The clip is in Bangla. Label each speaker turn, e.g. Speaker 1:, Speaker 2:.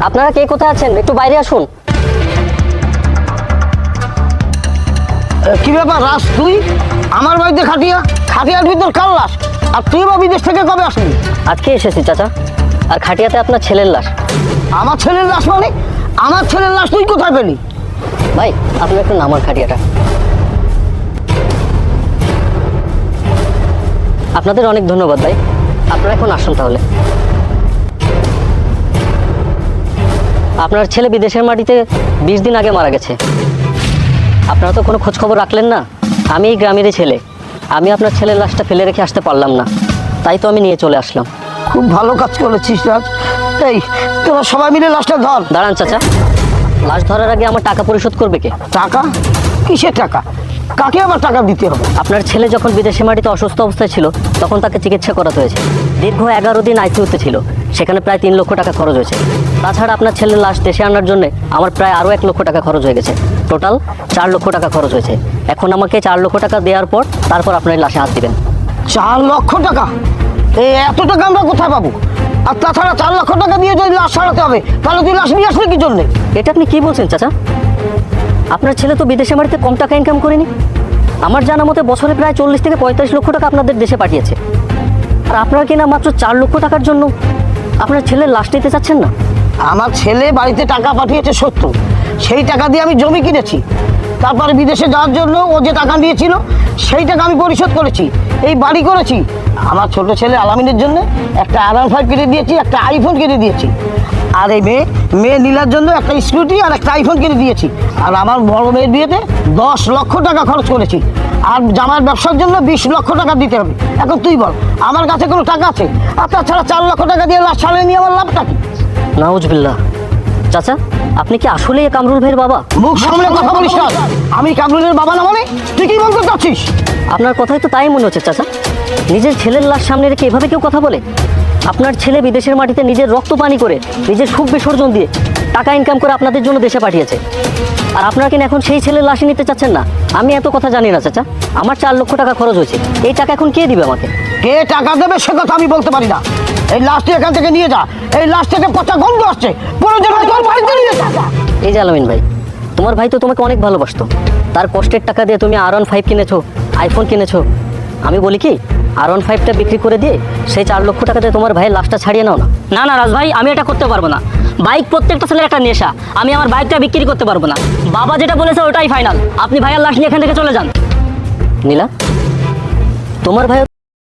Speaker 1: আপনারা কে কোথায় আছেন একটু বাইরে আসুন।
Speaker 2: কি ব্যাপার রাস, তুই আমার বাড়িতে খাটিয়ার ভিতর কার লাশ? আর তুই বা বিদেশ থেকে কবে আসবি?
Speaker 1: আজকে এসেছি চাচা, আর খাটিয়াতে আপনার ছেলের লাশ।
Speaker 2: আমার ছেলের লাশ মানে? আমার ছেলের লাশ তুই কোথায় পেলি?
Speaker 1: ভাই আপনি একটু নামান খাটিয়াটা। আপনাদের অনেক ধন্যবাদ ভাই, আপনারা এখন আসুন তাহলে। আপনার ছেলে বিদেশের মাটিতে 20 দিন আগে মারা গেছে। আপনারা তো কোনো খোঁজ খবর রাখলেন না। আমি এই গ্রামেরই ছেলে, আমি আপনার ছেলের লাশটা ফেলে রেখে আসতে পারলাম না, তাই তো আমি নিয়ে চলে আসলাম।
Speaker 2: খুব ভালো কাজ করেছিস রাজ। এই তোরা সবাই মিলে লাশটা ধর।
Speaker 1: দাঁড়ান চাচা, লাশ ধরার আগে আমার টাকা পরিশোধ করবে কে?
Speaker 2: টাকা? কিসের টাকা? কাকে আবার টাকা দিতে হবে?
Speaker 1: আপনার ছেলে যখন বিদেশে মাটিতে অসুস্থ অবস্থায় ছিল তখন তাকে চিকিৎসা করাতে হয়েছে। দীর্ঘ 11 দিন আইসিইউতে ছিল, সেখানে প্রায় 3 লক্ষ টাকা খরচ হয়েছে। তাছাড়া আপনার ছেলের লাশ দেশে আনার জন্য আমার প্রায় আরও 1 লক্ষ টাকা খরচ হয়ে গেছে। টোটাল 4 লক্ষ টাকা খরচ হয়েছে। এখন আমাকে 4 লক্ষ টাকা দেওয়ার পর তারপর আপনার এই লাশে হাত দিবেন।
Speaker 2: 4 লক্ষ টাকা? এই এত টাকা আমরা কোথায় পাবো? আর তাছাড়া 4 লক্ষ টাকা দিয়ে যদি লাশ সারাতে হবে, তাহলে তুই লাশ নিয়ে আসলি কি জন্যে?
Speaker 1: এটা আপনি কি বলছেন চাচা? আপনার ছেলে তো বিদেশে মাটিতে কম টাকা ইনকাম করেনি। আমার জানা মতে বছরে প্রায় 40 থেকে 45 লক্ষ টাকা আপনাদের দেশে পাঠিয়েছে। আর আপনারা কিনা মাত্র 4 লক্ষ টাকার জন্য আপনার ছেলের লাশ নিতে চাচ্ছেন না?
Speaker 2: আমার ছেলে বাড়িতে টাকা পাঠিয়েছে সত্য, সেই টাকা দিয়ে আমি জমি কিনেছি। তারপরে বিদেশে যাওয়ার জন্য ও যে টাকা দিয়েছিল সেই টাকা আমি পরিশোধ করেছি, এই বাড়ি করেছি। আমার ছোট ছেলে আলামিনের জন্য একটা R15 কিনে দিয়েছি, একটা আইফোন কিনে দিয়েছি। আর এই মেয়ে নীলার জন্য একটা স্কুটি আর একটা আইফোন কিনে দিয়েছি। আর আমার বড় মেয়ের বিয়েতে 10 লক্ষ টাকা খরচ করেছি। আর জামার ব্যবসার জন্য 20 লক্ষ টাকা দিতে হবে। এখন তুই বল, আমার কাছে কোনো টাকা আছে? আর তাছাড়া 4 লক্ষ টাকা দিয়ে লাশ ছাড়িয়ে নিয়ে আমার লাভটা কি?
Speaker 1: নাউজুবিল্লাহ। চাচা আপনি কি আসলেই এই কামরুল ভাইয়ের বাবা?
Speaker 2: মুখ সামলে কথা বলিস না। আমি কামরুলের বাবা না মানে? তুই কি বলতে চাচ্ছিস?
Speaker 1: আপনার কথাই তো তাই মনে হচ্ছে চাচা। নিজের ছেলের লাশ সামনে রেখে এভাবে কেউ কথা বলে? আপনার ছেলে বিদেশের মাটিতে নিজের রক্ত পানি করে, নিজের সুখ বিসর্জন দিয়ে টাকা ইনকাম করে আপনাদের জন্য দেশে পাঠিয়েছে। আর আপনারা কিনা এখন সেই ছেলের লাশই নিতে চাচ্ছেন না? আমি এত কথা জানি না চাচা। আমার 4 লক্ষ টাকা খরচ হয়েছে, এই টাকা এখন কে দিবে আমাকে?
Speaker 2: কে টাকা দেবে সে কথা আমি বলতে পারি না। এই লাশটি এখান থেকে নিয়ে যা। এই লাশ থেকে পচা গন্ধ আসছে। প্রয়োজন হয় তোর বাড়িতে নিয়ে যা।
Speaker 1: এই যে আলামিন ভাই, তোমার ভাই তো তোমাকে অনেক ভালোবাসতো। তার কষ্টের টাকা দিয়ে তুমি R15 কিনেছো, আইফোন কিনেছো। আমি বলি কি, R15টা বিক্রি করে দিয়ে সেই 4 লক্ষ টাকা দিয়ে তোমার ভাইয়ের লাশটা ছাড়িয়ে নাও না।
Speaker 3: না না রাজ ভাই, আমি এটা করতে পারবো না। বাইক প্রত্যেকটা ছেলের একটা নেশা, আমি আমার বাইকটা বিক্রি করতে পারবো না। বাবা যেটা বলেছে ওটাই ফাইনাল। আপনি ভাইয়ার লাশ নিয়ে এখান থেকে চলে যান।
Speaker 1: নীলা, তোমার ভাইও